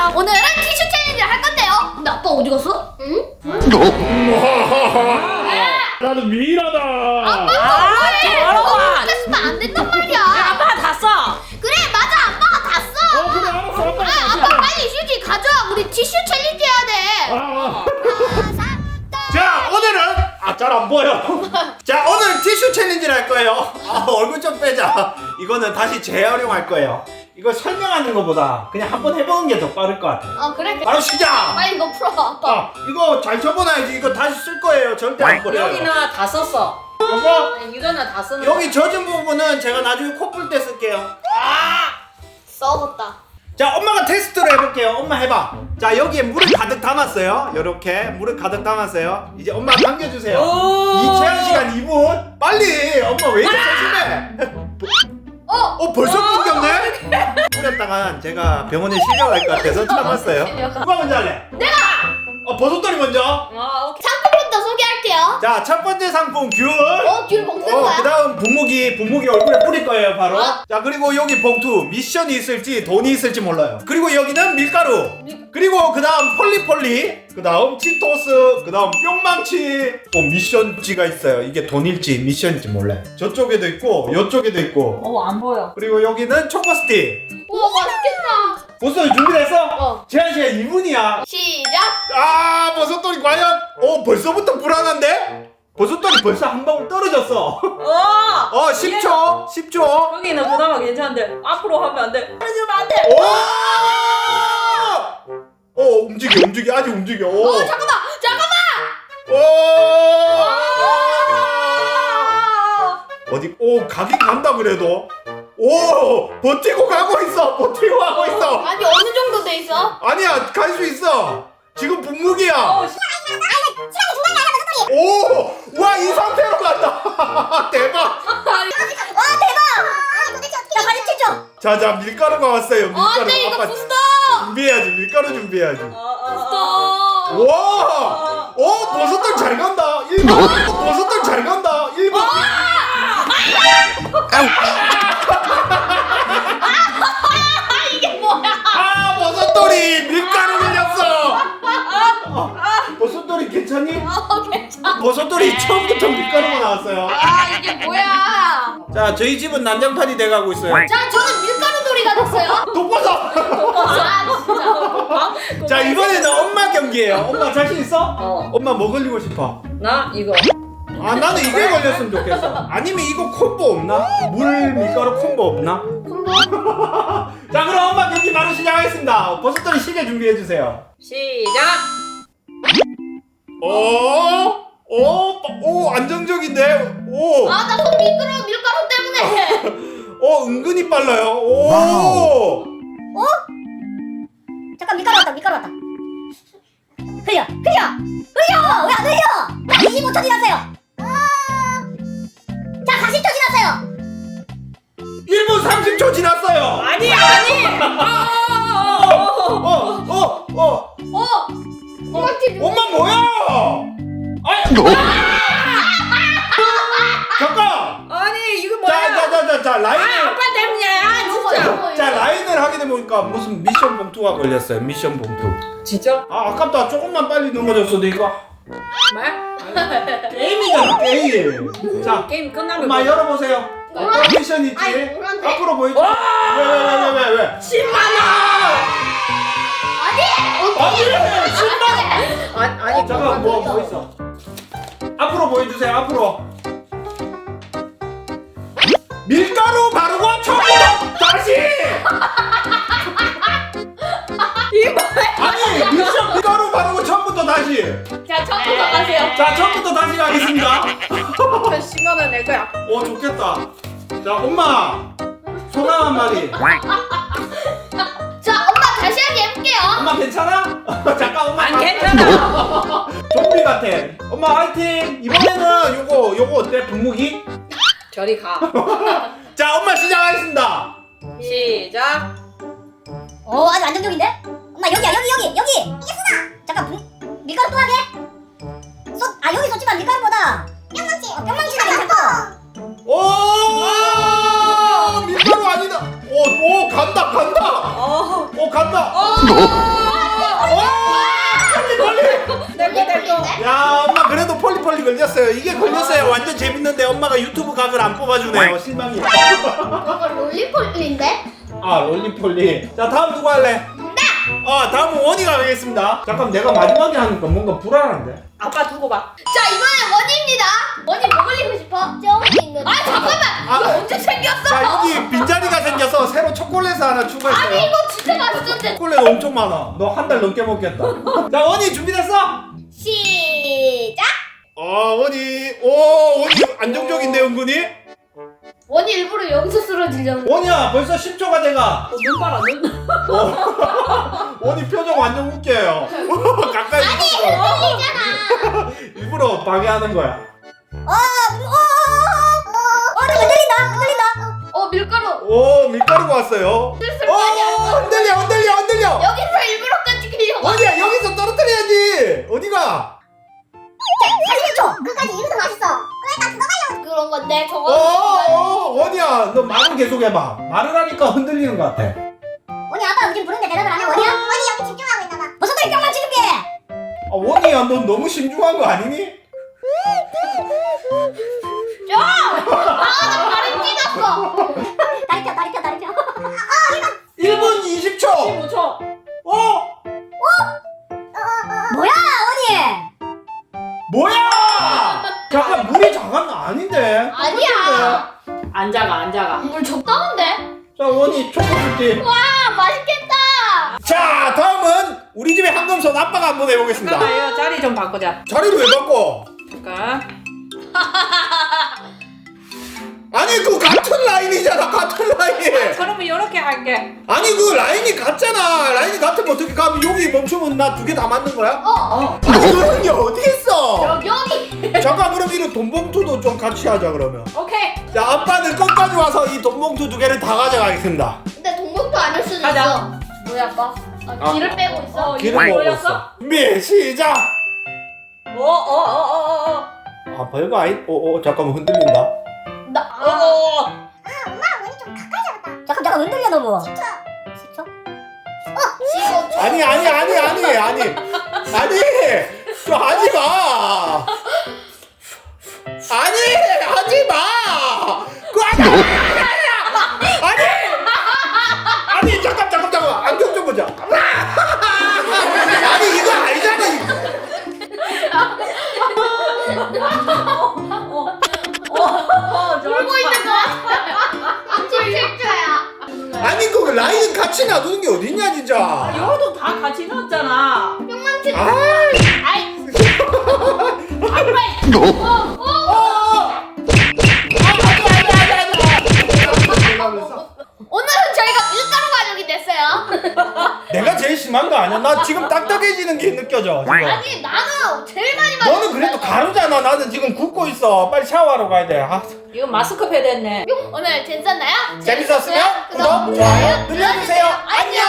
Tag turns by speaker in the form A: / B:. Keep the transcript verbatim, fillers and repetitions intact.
A: 자, 오늘은 티슈 챌린지를 할 건데요. 근데 아빠 어디 갔어? 응?
B: 나는 미인하다.
A: 아빠
C: 아,
A: 너무해. 했으면 안 된단 말이야.
C: 아빠가 다 써.
A: 그래, 맞아. 아빠가 다 써.
B: 어 그래 알았어 아빠.
A: 아, 아빠 빨리 휴지 가져와. 우리 티슈 챌린지 해야 돼.
B: 아,
D: 자 오늘은 아 잘 안 보여. 자 오늘 티슈 챌린지를 할 거예요. 아 얼굴 좀 빼자. 이거는 다시 재활용할 거예요. 이거 설명하는 것보다 그냥 한번 해보는 게 더 빠를 것 같아요.
A: 어, 그래.
D: 바로 시작.
A: 빨리 이거 풀어, 아빠.
D: 아 이거 잘 접어놔야지. 이거 다시 쓸 거예요. 절대 안 버려요.
C: 여기는 다 썼어.
D: 이거
C: 이거는 다 쓰는
D: 여기 젖은 부분은 제가 나중에 코 풀 때 쓸게요. 아!
A: 썩었다.
D: 자 엄마가 테스트를 해볼게요. 엄마 해봐. 자 여기에 물을 가득 담았어요. 요렇게 물을 가득 담았어요. 이제 엄마 당겨주세요. 이 제한 시간 이 분. 빨리. 엄마 왜 이렇게 소심해?
A: 어?
D: 어 벌써 끊겼네? 뿌렸다간 제가 병원에 실려갈 것 같아서 참았어요.
A: 실려가.
D: 누가 먼저 할래?
A: 내가!
D: 어 버섯돌이 먼저.
C: 아, 오케이.
A: 상품부터 소개할게요.
D: 자 첫 번째 상품 귤.
A: 어, 귤 먹는
D: 어,
A: 거야?
D: 그 다음 분무기, 분무기 얼굴에 뿌릴 거예요, 바로.
A: 어?
D: 자, 그리고 여기 봉투, 미션이 있을지 돈이 있을지 몰라요. 그리고 여기는 밀가루. 그리고 그 다음 폴리폴리. 그 다음 치토스. 그 다음 뿅망치. 또 미션지가 있어요. 이게 돈일지 미션인지 몰라요. 저쪽에도 있고, 이쪽에도 있고.
C: 어, 안 보여.
D: 그리고 여기는 초코스틱.
A: 우와, 맛있겠다.
D: 버섯 준비됐어?
A: 어.
D: 제한 시간 이 분이야.
A: 시작.
D: 아, 버섯돌이 과연? 어, 벌써부터 불안한데? 버섯돌이 벌써 한 방울 떨어졌어.
C: 어!
D: 어, 십 초. 십 초.
C: 여기는 그나마 괜찮은데 앞으로 하면 안 돼. 떨어지면 안 돼.
D: 오! 어 움직여 움직여 아직 움직여. 오.
A: 어, 잠깐만. 잠깐만.
D: 오. 어디? 오 가긴 간다 그래도. 오 버티고 가고 있어. 버티고 가고 있어.
A: 아니, 어느 정도 돼 있어?
D: 아니야 갈 수 있어. 지금 분무기야.
C: 어,
D: 오! 와 이 상태로 간다. 대박.
A: 야, 빨리 튀죠.
D: 자자 밀가루가 왔어요. 밀가루.
A: 아, 네, 이거
D: 아빠
A: 부스터.
D: 준비해야지. 밀가루 준비해야지.
C: 어, 어, 어.
A: 부스터.
D: 와! 어, 버섯돌 잘 간다. 일 번. 버섯돌 잘 간다. 일 번.
A: 이게 뭐야?
D: 아, 버섯돌이 밀가루 걸렸어. 아, 버섯돌이 괜찮니?
A: 어, 괜찮아.
D: 버섯돌이 처음부터 밀가루가 나왔어요.
A: 아, 이게 뭐야?
D: 자, 저희 집은 난장판이 돼가고 있어요.
A: 자, 저는 밀가루 놀이가 됐어요.
D: 독버섯.
A: 아, 진짜.
D: 자, 이번에는 엄마 경기예요. 엄마 자신 있어?
C: 어.
D: 엄마 뭐 걸리고 싶어?
C: 나 이거.
D: 아, 나는 이게 걸렸으면 좋겠어. 아니면 이거 콤보 없나? 물 밀가루 콤보 없나?
A: 콤보?
D: 자, 그럼 엄마 경기 바로 시작하겠습니다. 버섯돌이 시계 준비해 주세요.
C: 시작.
D: 오, 오, 오, 안정적인데? 오,
A: 아, 나 손 미끄러워, 밀가루 때문에.
D: 어, 은근히 빨라요. 오,
E: 잠깐 밀가루 왔다 밀가루 왔다 흘려 흘려 흘려 왜 안 흘려 자 이십오 초 지났어요 자 사십 초 지났어요
D: 일 분 삼십 초 지났어요.
C: 아니, 아니. 어,
D: 어, 어, 어,
A: 어, 엄마 튀.
D: 엄마 뭐야? 아니, 잠깐.
C: 아니, 이거
D: 자,
C: 뭐야?
D: 자, 자, 자, 자,
C: 아,
D: 라인을,
C: 아빠 때문이야, 진짜.
D: 자, 라인을 하게 되니까 무슨 미션 봉투가 걸렸어요. 미션 봉투.
C: 진짜?
D: 아, 아깝다. 조금만 빨리 넘어졌어도 이거
C: 말?
D: 게임이잖아, 게임. 자,
C: 게임 끝나면
D: 엄마 열어보세요. 어떤 미션 있지?
A: 아이, 뭐란데?
D: 앞으로 보여줘.
C: 와!
D: 왜, 왜, 왜, 왜, 왜, 왜?
C: 십만 원!
A: 아니,
D: 아니, 신발.
C: 아니, 아니.
D: 잠깐, 뭐, 뭐 있어? 앞으로 보여주세요, 앞으로. 밀가루 바르고 처음부터 다시!
C: 이 뭐야?
D: 아니, 미션 밀가루 바르고 처음부터 다시!
A: 자, 처음부터 가세요.
D: 자, 처음부터 다시 가겠습니다.
C: 십만 원 내 거야.
D: 오, 좋겠다. 자, 엄마. 소감 한마디.
A: 자, 엄마 다시 하게 해볼게요.
D: 엄마 괜찮아? 잠깐, 엄마.
C: 안
D: 가-
C: 괜찮아.
D: 좀비 같아. 엄마 화이팅! 이번에는 요거, 요거 어때? 분무기?
C: 저리 가.
D: 자, 엄마 시작하겠습니다.
C: 시작.
E: 오 아주 안정적인데 엄마 여기야 여기 여기 여기 이겼어 잠깐 분- 밀가루 또 하게 쏟아 여기 쏟지만 밀가루보다 뿅망치 어, 뿅망치가 괜찮고
D: 오! 밀가루 아니다. 오, 오, 간다, 간다.
C: 어.
D: 오, 간다.
C: 어.
D: 롤리폴리 걸렸어요. 이게 걸렸어요. 완전 재밌는데 엄마가 유튜브 각을 안 뽑아주네요. 실망이에요.
A: 이거 롤리폴리인데?
D: 아 롤리폴리. 자 다음 누구 할래? 아 다음은 원이가 하겠습니다. 잠깐 내가 마지막에 하니까 뭔가 불안한데.
C: 아빠 두고 봐.
A: 자 이번엔 원입니다. 원이 뭐 걸리고 싶어? 저기 있는. 아 잠깐만.
D: 아,
A: 이거 언제 생겼어?
D: 자 여기 빈자리가 생겨서 새로 초콜릿 하나 추가했어요.
A: 아니 이거 진짜 맛있었는데.
D: 초콜릿 엄청 많아. 너 한 달 넘게 먹겠다. 자 원이 준비됐어?
A: 시작.
D: 아 원이 오 원이 안정적인데 은근히?
A: 원이 일부러 여기서 쓰러지려고.
D: 원이야 벌써 십 초가 돼가.
C: 어, 눈 봐라 눈.
D: 어. 원이 표정 완전 웃겨요. 가까이 아니
A: 흔들리잖아.
D: 일부러 방해하는 거야.
E: 어, 어, 어, 나 흔들린다, 흔들린다.
A: 어 밀가루.
D: 오 밀가루가 왔어요.
A: 슬슬
D: 오
A: 많이 안 나.
D: 흔들려 흔들려 흔들려.
A: 여기서 일부러 던지려고.
D: 원이야 여기서 떨어뜨려야지. 어디가?
E: 사십 초. 끝까지 이거도 맛있어. 그러니까 그거 말려.
A: 그런 건데
D: 어,
A: 저거.
D: 어 원이야 너 말을 계속 해봐. 말을 하니까 흔들리는 것 같아.
E: 원이 아빠 지금 부르는데 대답을 안 해, 원이야? 원이 여기 집중하고 있나 봐. 무슨 소리 뿅망치 준비해.
D: 아 원이야 넌 너무 신중한 거 아니니?
A: 아나 발이 찢었어.
E: 다리 펴, 다리 펴, 다리 펴.
D: 일 분 이십 초.
C: 십오 초.
D: 어?
E: 뭐야, 원이?
D: 뭐야? 잠깐 물이 작았나? 아닌데.
A: 아니야.
C: 안 작아 안 작아.
A: 물 적당한데?
D: 자 원이 초코 줄게.
A: 와 맛있겠다.
D: 자 다음은 우리 집의 한금손 아빠가 한번 해보겠습니다.
C: 잠깐만요 자리 좀 바꾸자.
D: 자리를 왜 바꿔?
C: 잠깐.
D: 아니 그 같은 라인이잖아 같은 라인.
C: 그러면 이렇게 할게.
D: 아니 그 라인이 같잖아. 라인이 같으면 어떻게 가면 여기 멈추면 나 두 개 다 맞는 거야?
A: 어. 어.
D: 아니 그런 게 어디 있어?
A: 여기.
D: 잠깐 그럼 이런 돈봉투도 좀 같이 하자 그러면.
C: 오케이.
D: 자 아빠는 끝까지 와서 이 돈봉투 두 개를 다 가져가겠습니다.
A: 근데 동목도 아닐 수도
C: 가자.
A: 있어. 뭐야 아빠? 아,
D: 아.
A: 기를 빼고 있어.
C: 어,
D: 기름
C: 이거
D: 먹고
C: 올렸어?
D: 있어. 미 시작.
C: 어어어어어 어.
D: 아 별거 아니. 어어 잠깐만 흔들린다.
A: 나.
C: 어. 어.
E: 원이 좀 가까이 잡았다. 잠깐, 잠깐 흔들려 너무. 십 초. 십 초?
A: 지금
D: 아니 아니 아니 아니 아니 아니 저 하지 마. 아니 하지 마. 그 아니 아니 아니 잠깐 잠깐 잠깐 안경 좀 보자. 아니 이거 아니잖아.
C: 어,
A: 울고 있는 거 같아. 지금 실조야.
D: 아니 그 라인 같이 놔두는 게 어딨냐 진짜.
C: 이거도 다 같이 넣었잖아.
A: 뿅망치.
D: 아.
A: 아이. 아 빨리. 어. 어. 오늘은 저희가 밀가루 가족이 됐어요.
D: 내가 제일 심한 거 아니야? 나 지금 딱딱해지는 게 느껴져. 지금.
A: 아니 나는 제일 많이 마셨어.
D: 너는 그래도 가루잖아. 나는 지금 굽고 있어. 빨리 샤워하러 가야 돼. 아.
C: 이거 마스크팩 됐네.
A: 오늘 재밌었나요?
D: 재밌었으면 구독, 좋아요 눌러주세요. 안녕.